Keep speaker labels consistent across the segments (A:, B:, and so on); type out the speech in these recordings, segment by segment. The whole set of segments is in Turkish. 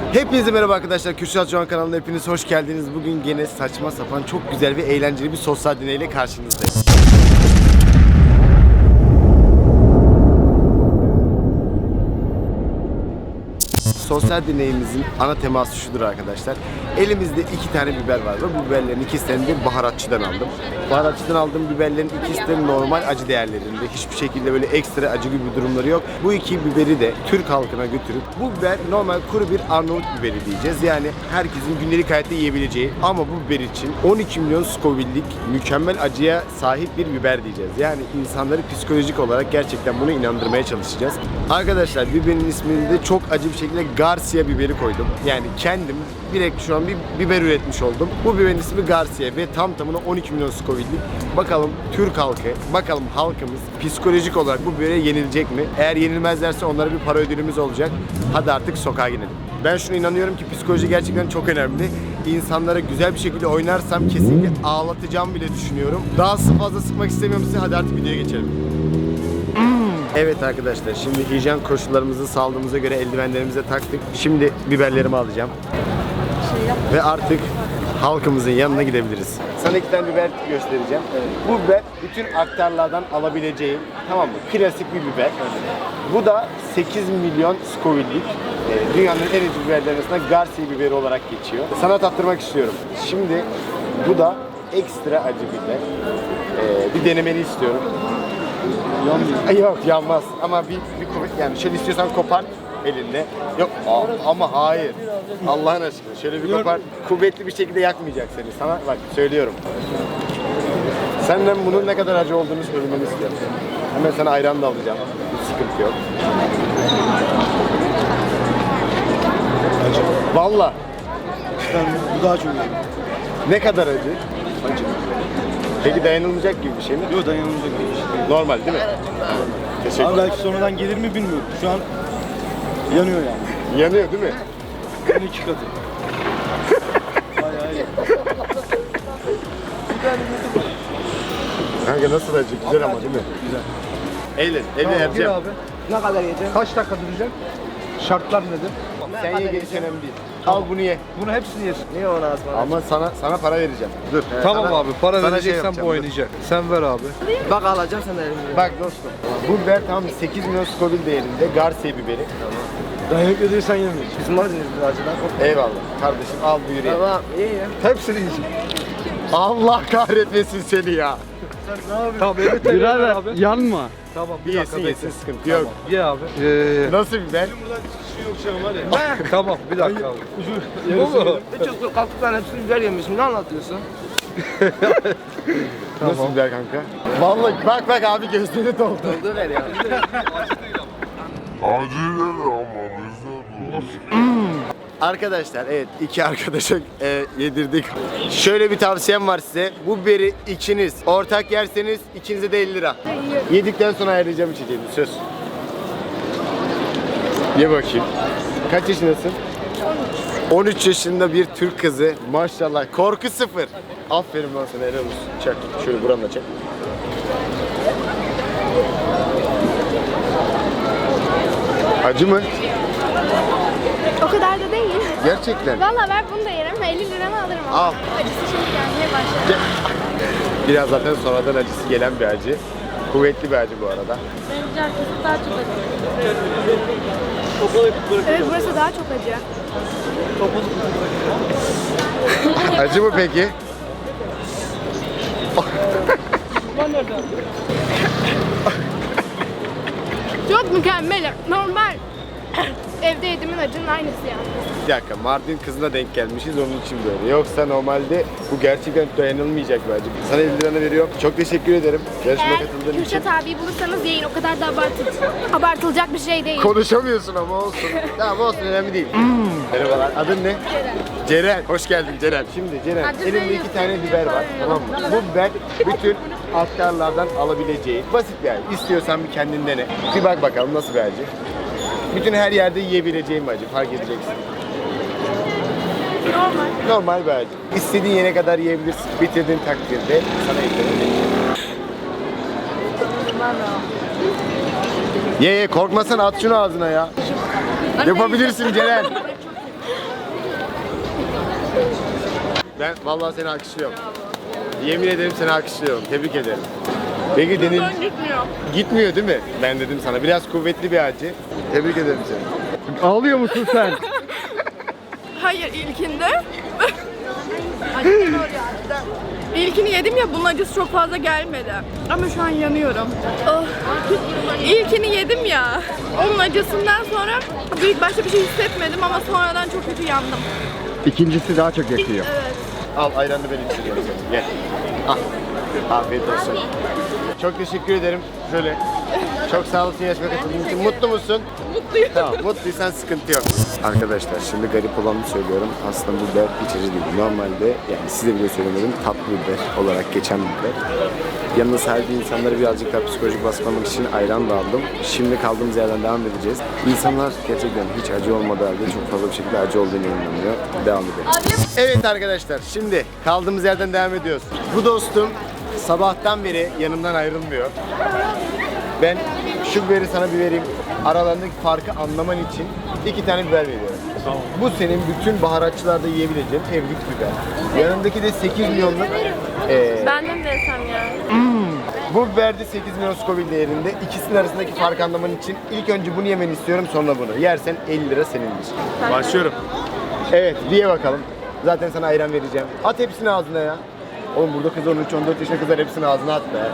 A: Hepinize merhaba arkadaşlar. Kürşat Can kanalına hepiniz hoş geldiniz. Bugün gene saçma sapan çok güzel ve eğlenceli bir sosyal deneyle karşınızdayım. Sosyal deneyimizin ana teması şudur arkadaşlar. Elimizde 2 tane biber var ve bu biberlerin ikisini de baharatçıdan aldım. Baharatçıdan aldığım biberlerin ikisi de normal acı değerlerinde. Hiçbir şekilde böyle ekstra acı gibi durumları yok. Bu iki biberi de Türk halkına götürüp bu biber normal kuru bir Arnavut biberi diyeceğiz. Yani herkesin gündelik hayatta yiyebileceği ama bu biber için 12 milyon Scoville'lik mükemmel acıya sahip bir biber diyeceğiz. Yani insanları psikolojik olarak gerçekten bunu inandırmaya çalışacağız. Arkadaşlar biberin ismini de çok acı bir şekilde Garcia biberi koydum. Yani kendim direkt şu an bir biber üretmiş oldum. Bu biberin ismi Garcia ve tam tamına 12 milyon Scoville'lik. Bakalım Türk halkı, bakalım halkımız psikolojik olarak bu bibere yenilecek mi? Eğer yenilmezlerse onlara bir para ödülümüz olacak. Hadi artık sokağa gidelim. Ben şuna inanıyorum ki psikoloji gerçekten çok önemli. İnsanlara güzel bir şekilde oynarsam kesinlikle ağlatacağım bile düşünüyorum. Daha fazla sıkmak istemiyorum size. Hadi artık videoya geçelim. Evet arkadaşlar, şimdi hijyen koşullarımızı sağladığımıza göre eldivenlerimize taktık. Şimdi biberlerimi alacağım. Ve artık halkımızın yanına gidebiliriz. Sana 2 tane biber göstereceğim. Bu biber bütün aktarlardan alabileceğim, tamam mı? Klasik bir biber. Bu da 8 milyon Scoville'lik. Dünyanın en iyi biberlerin arasında Garcia biberi olarak geçiyor. Sana tattırmak istiyorum. Şimdi bu da ekstra acı biber. Bir denemeni istiyorum. Yok yanmaz ama bir kuvvet, yani şöyle istiyorsan kopar elinde. Yok ama hayır. Allah'ın aşkına şöyle bir kopar. Kuvvetli bir şekilde yakmayacak seni. Sana bak söylüyorum. Senden bunun ne kadar acı olduğunu söylemeni istiyorum. Hemen sana ayran da alacağım. Hiç sıkıntı yok. Acı. Valla.
B: Bu daha çok iyi.
A: Ne kadar acı?
B: Acı.
A: Peki dayanılmayacak gibi bir şey mi?
B: Yok, dayanılacak bir şey.
A: Normal değil mi? Teşekkür
B: Abi
A: ederim.
B: belki sonradan gelir mi bilmiyorum. Şu an yanıyor yani.
A: Yanıyor değil mi?
B: 12 katı. Bayağı iyi.
A: Kanka nasıl acı? Güzel ama değil mi?
B: Güzel.
A: Eğlen,
B: Gir
A: vereceğim.
B: abi. Ne kadar yiyeceksin? Kaç dakika duracaksın? Şartlar nedir?
A: Sen ye, gerisi önemli değil. Al bunu ye.
B: Bunu hepsini yersin. Niye ona asma?
A: Ama sana para vereceğim. Dur.
C: Tamam
A: Sana-
C: abi, para
A: sana
C: vereceksen
A: yapacağım,
C: bu
A: dur.
C: oynayacak. Sen ver abi.
D: Bak alacağım sen de elimden.
A: Bak dostum. Bu biber tamam 8 milyon Scoville değerinde Garcia biberi.
B: Dayanıklı değilsen yemeyiz.
D: Bizim Mardin'iz bu acıdan.
A: Eyvallah. Kardeşim al buyur ye.
D: Tamam iyi ya.
B: Hepsini yiyeceksin.
A: Allah kahretmesin seni ya.
B: Sen ne yapıyorsun?
C: Tamam, evet birader abi.
E: Yanma.
C: Tamam,
A: Bir
C: bir dakika
A: yesin
C: bekle.
A: yesin sıkıntı yok.
C: Ye abi.
A: Nasıl biber?
B: Buradan çıkışı yok şu an var ya.
C: Tamam, bir dakika abi.
B: Bu mu?
D: Hiç yoktur kalktıktan hepsini biber yemişim. Ne anlatıyorsun?
A: Nasıl biber kanka? Vallahi bak abi gözleri doldu.
D: Doldu ver ya.
A: Arkadaşlar evet 2 arkadaşa yedirdik. Şöyle bir tavsiyem var size. Bu biberi ikiniz ortak yerseniz ikinize de 50 lira. Yedikten sonra ayarlayacağım içeceğimi söz. Ye bakayım. Kaç yaşındasın? 13 yaşında bir Türk kızı. Maşallah. Korku sıfır. Aferin lan sana, helal olsun. Çak. Şöyle buranla çak. Acı mı?
F: O kadar da değil.
A: Gerçekten.
F: Valla ver bunu da yerim. 50 liranı alırım ama.
A: Al.
F: Acısı şimdi gelmeye başladı.
A: Biraz zaten sonradan acısı gelen bir acı. Kuvvetli bir acı bu arada.
F: Bence arkası daha çok acı. Evet burası daha çok acı.
A: Acı mı peki?
F: Çok mükemmel. Normal. Evde yediğimin acının aynısı yani.
A: Bir dakika, Mardin kızına denk gelmişiz onun için böyle. Yoksa normalde bu gerçekten dayanılmayacak bir acı. Sana 50 liranı veriyorum. Çok teşekkür ederim. Yarışmaya
F: Eğer
A: katıldığın için.
F: Kürşat abiyi bulursanız yiyin. O kadar da abartılacak bir şey değil.
A: Konuşamıyorsun ama olsun. Tamam olsun, önemli değil. Merhabalar. Adın ne? Ceren. Hoş geldin Ceren. Şimdi Ceren,
F: Adı
A: elimde
F: Zeynep.
A: 2 tane biber var. Tamam mı? Bu biber bütün aktarlardan alabileceğin basit bir acı. İstiyorsan bir kendin dene. Bir bak bakalım nasıl bir acı. Bütün her yerde yiyebileceğim bir acı. Fark edeceksin. Normal bir acı. İstediğin yere kadar yiyebilirsin. Bitirdiğin takdirde sana eklerim. Ye korkmasana, at şunu ağzına ya. Yapabilirsin Ceren. Ben vallahi seni alkışlıyorum. Yemin ederim seni alkışlıyorum. Tebrik ederim. Peki Deniz
F: Gitmiyor.
A: gitmiyor değil mi? Ben dedim sana. Biraz kuvvetli bir acı. Tebrik ederim seni.
C: Ağlıyor musun sen?
E: Hayır ilkinde. İlkini yedim ya bunun acısı çok fazla gelmedi. Ama şu an yanıyorum. Oh. İlkini yedim ya. Onun acısından sonra ilk başta bir şey hissetmedim ama sonradan çok kötü yandım.
C: İkincisi daha çok yakıyor.
E: Evet.
A: Al ayranı ben içiyorum seni. Gel. Al. Afiyet olsun. Çok teşekkür ederim. Şöyle. Çok sağ olasın yarışmaya katıldığın için. Mutlu musun?
E: Mutluyum.
A: Tamam. Mutluysan sıkıntı yok. Arkadaşlar şimdi garip olanı söylüyorum. Aslında bu biber hiç acı değil. Normalde yani size bile söylemedim tatlı biber olarak geçen bir biber. Yanına sahibi insanları birazcık daha psikolojik baskılamak için ayran da aldım. Şimdi kaldığımız yerden devam edeceğiz. İnsanlar gerçekten hiç acı olmadığı halde çok fazla bir şekilde acı olduğunu inanıyor. Devam edelim. Evet arkadaşlar şimdi kaldığımız yerden devam ediyoruz. Bu dostum sabahtan beri yanımdan ayrılmıyor. Ben şu biberi sana bir vereyim. Aralarındaki farkı anlaman için 2 tane biber veriyorum. Bu senin bütün baharatçılarda yiyebileceğin evlilik biber. Yanındaki de 8 milyonluk
F: Benden de yesem ya.
A: bu biber de 8 milyon Scoville değerinde. İkisinin arasındaki farkı anlaman için ilk önce bunu yemeni istiyorum, sonra bunu. Yersen 50 lira senindir. Başlıyorum. Evet, diye bakalım. Zaten sana ayran vereceğim. At hepsini ağzına ya. Oğlum burada kız 13-14 yaşında kızlar hepsini ağzına at be.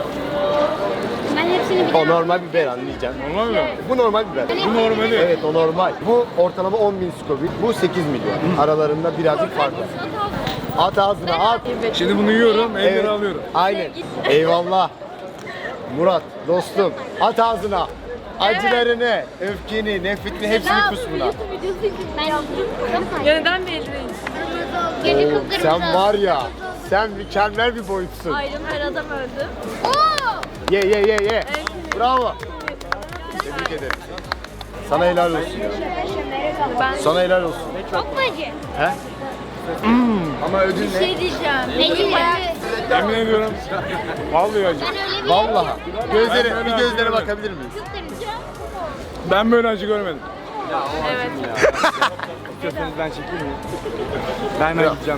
G: Ben hepsini bir
A: O normal biber anlayacaksın.
B: Normal mi?
A: Bu normal biber.
B: Bu normali.
A: Evet o normal. Bu ortalama 10.000 Scoville. Bu 8 milyon. Aralarında birazcık fark var. At ağzına at.
B: Şimdi bunu yiyorum, 50
A: Evet.
B: lira alıyorum.
A: Aynen. Eyvallah. Murat dostum at ağzına. Acılarını, öfkeni, nefretini hepsini kus buna.
G: ben yaptım.
F: Ya neden belli değil?
G: Gece kıpkırmızı.
A: Sen var ya, sen mükemmel bir boyutsun.
F: Ayrım her adam öldü.
A: Ye. Bravo. Tebrik ederim. Sana helal olsun. Sana helal olsun.
G: Çok mu acı?
A: He? Ama ödül ne?
F: Şey diyeceğim.
G: Benim
B: Yemin ediyorum. Vallahi acı.
G: Ben öyle bir
A: Vallahi. Gözlere,
B: Ben
A: bir
B: böyle
A: gözlere
B: acı
A: bakabilir miyiz?
B: Ben böyle acı görmedim.
F: Evet.
B: İstiyorsanız ben çekeyim mi? Ben hemen gideceğim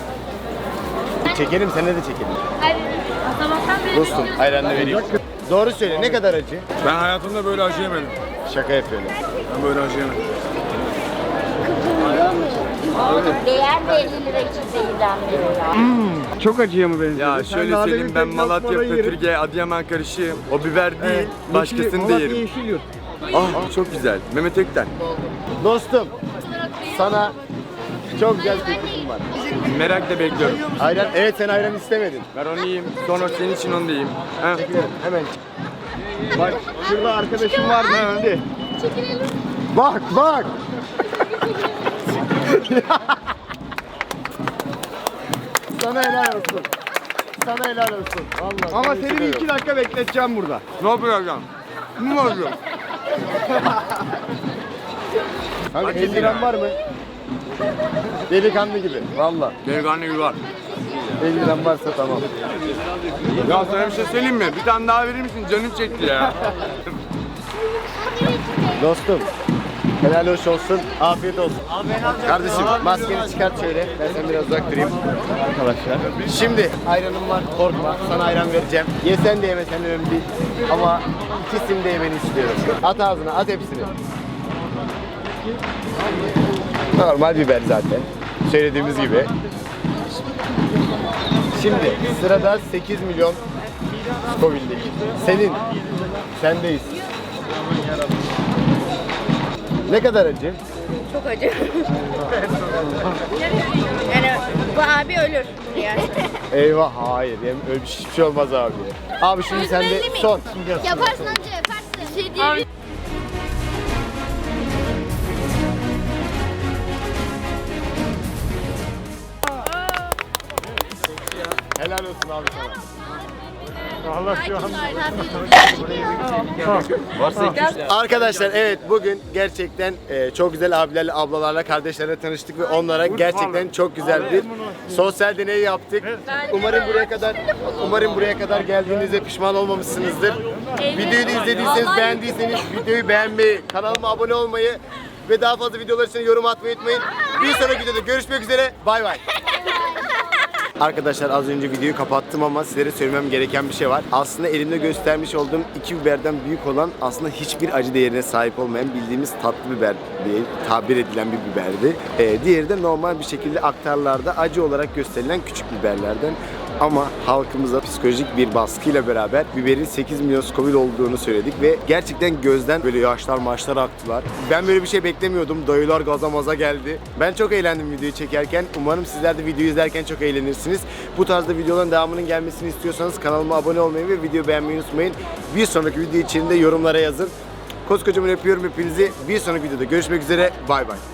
B: yoksa.
A: Çekelim, sana da çekelim.
F: Sabahtan beri
A: Dostum, ayranla vereyim. Doğru söyle, ne kadar acı?
B: Ben hayatımda böyle acı yemedim.
A: Şaka yapıyorum.
B: Ben böyle acı yemedim.
G: değer de 50 lira için zehirlenmiyor ya.
C: Çok acıya mı benziyor?
H: Ya şöyle söyleyeyim, ben Malatya, Pötürge, Adıyaman karışığım. O biber değil, başkasını da yerim.
C: Yeşil yurt.
H: Ah çok güzel. Mehmet Ökten.
A: Dostum, sana çok güzel bir teklifim var.
H: Merakla bekliyorum.
A: Ayran, evet sen ayran istemedin.
H: Ben onu yiyeyim. Sonra senin için onu da yiyeyim. Ha?
A: Çekilelim, hemen. Bak, şurada arkadaşım var gitti. Bak. Sana helal olsun. Sana helal olsun. Vallahi.
C: Ama
A: sana
C: seni bir
A: üzülüyorum.
C: 2 dakika bekleteceğim burada.
H: Ne yapacağım? Ne yapacağım?
A: Kanka 50 liran var mı? Delikanlı gibi. Vallahi.
H: Delikanlı gibi var.
A: 50 liran varsa tamam.
H: Ya sana bir şey söyleyeyim mi? Bir tane daha verir misin? Canım çekti ya.
A: Dostum. Helal hoş olsun. Afiyet olsun. Kardeşim maskeni çıkart şöyle. Ben sen biraz uzak durayım. Arkadaşlar. Şimdi ayranım var. Korkma. Sana ayran vereceğim. Yesen de yemesen de önemli değil. Ama ikisini de yemeni istiyorum. At ağzına. At hepsini. Normal biber zaten. Söylediğimiz gibi. Şimdi sırada 8 milyon Scoville'dik. Senin. Sendeyiz. Ne kadar acı?
E: Çok acı. Yani bu abi ölür yani.
A: Eyvah hayır. Öyle hiçbir şey olmaz abi. Abi şimdi sen de son.
G: Yaparsın amca yaparsın. Bir şey değil.
A: Helal olsun abi sana. Arkadaşlar evet bugün gerçekten çok güzel abilerle, ablalarla, kardeşlerle tanıştık ve onlara gerçekten çok güzel bir sosyal deney yaptık. Umarım buraya kadar geldiğinizde pişman olmamışsınızdır. Videoyu da izlediyseniz, beğendiyseniz videoyu beğenmeyi, kanalıma abone olmayı ve daha fazla videolar için yorum atmayı unutmayın. Bir sonraki videoda görüşmek üzere. Bay bay. Arkadaşlar az önce videoyu kapattım ama sizlere söylemem gereken bir şey var. Aslında elimde göstermiş olduğum 2 biberden büyük olan aslında hiçbir acı değerine sahip olmayan bildiğimiz tatlı biber diye tabir edilen bir biberdi. Diğeri de normal bir şekilde aktarlarda acı olarak gösterilen küçük biberlerden. Ama halkımıza psikolojik bir baskıyla beraber biberin 8 milyon Scoville olduğunu söyledik ve gerçekten gözden böyle yaşlar maçlar aktılar. Ben böyle bir şey beklemiyordum. Dayılar gaza maza geldi. Ben çok eğlendim videoyu çekerken. Umarım sizler de videoyu izlerken çok eğlenirsiniz. Bu tarzda videoların devamının gelmesini istiyorsanız kanalıma abone olmayı ve videoyu beğenmeyi unutmayın. Bir sonraki video için de yorumlara yazın. Koskocaman öpüyorum hepinizi. Bir sonraki videoda görüşmek üzere. Bay bay.